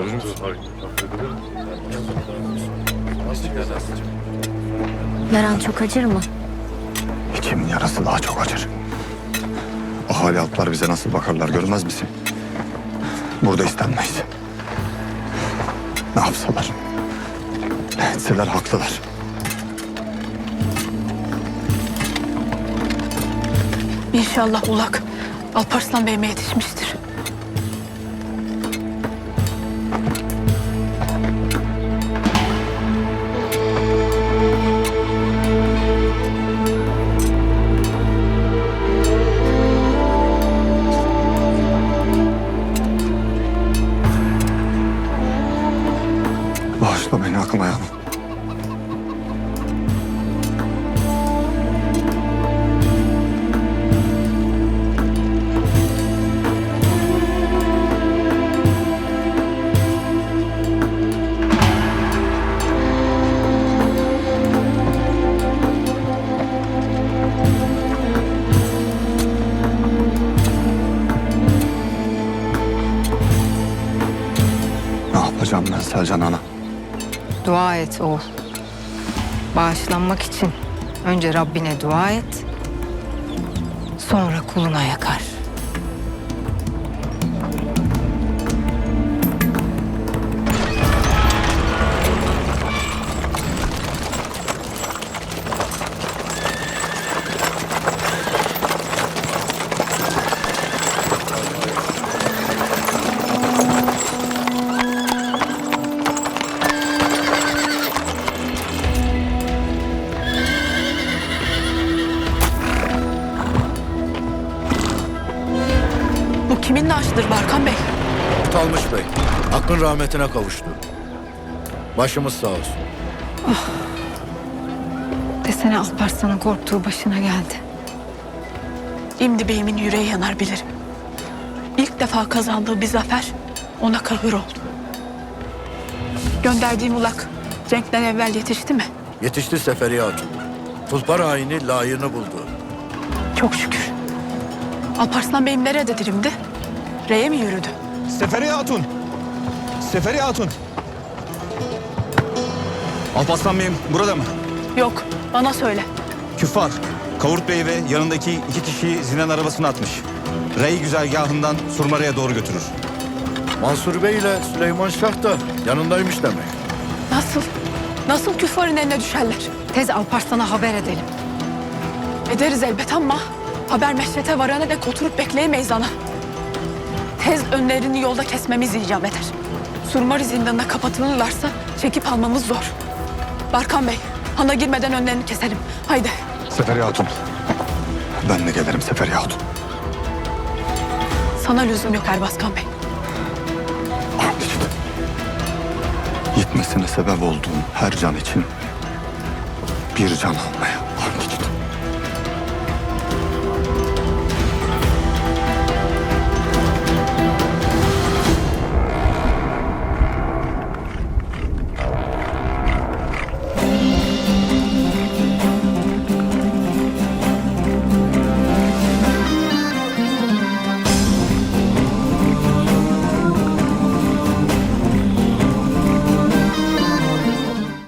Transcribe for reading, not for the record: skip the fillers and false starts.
Yaran çok acır mı? İçimin yarası daha çok acır. Ahali altlar bize nasıl bakarlar görmez misin? Burada istenmeyiz. Ne yapsalar, ne etseler haklılar. İnşallah Ulak Alparslan Bey'ime yetişmiştir. Bağışla beni aklıma yanım. Ne yapacağım ben Selcan ana? Dua et oğul. Bağışlanmak için önce Rabbine dua et, sonra kuluna yakar. Bu kimin naaşıdır Barkan Bey? Talmış Bey, hakkın rahmetine kavuştu. Başımız sağ olsun. Desene Alparslan'ın korktuğu başına geldi. İmdi Bey'imin yüreği yanar bilirim. İlk defa kazandığı bir zafer ona kahır oldu. Gönderdiğim Ulak Cenk'ten evvel yetişti mi? Yetişti Seferiye Hatun. Tulpar haini layığını buldu. Çok şükür. Alparslan Bey'im nerededir imdi? Reye mi yürüdü? Seferiye Hatun! Seferiye Hatun! Alparslan Bey'im burada mı? Yok, bana söyle. Küffar, Kavurt Bey ve yanındaki 2 kişiyi Zinan arabasına atmış. Rey güzergahından Surmara'ya doğru götürür. Mansur Bey ile Süleyman Şah da yanındaymış demek. Nasıl? Nasıl küffarın eline düşerler? Tez Alparslan'a haber edelim. Ederiz elbet ama haber meşrete varana dek oturup bekleyemeyiz ana. Tez önlerini yolda kesmemiz icap eder. Surmari zindanına kapatılırlarsa çekip almamız zor. Barkan Bey, hana girmeden önlerini keselim. Haydi. Seferiye Hatun. Ben de gelirim Seferiye Hatun. Sana lüzum yok Erbaskan Bey. And içtim. Gitmesine sebep olduğum her can için bir can almaya.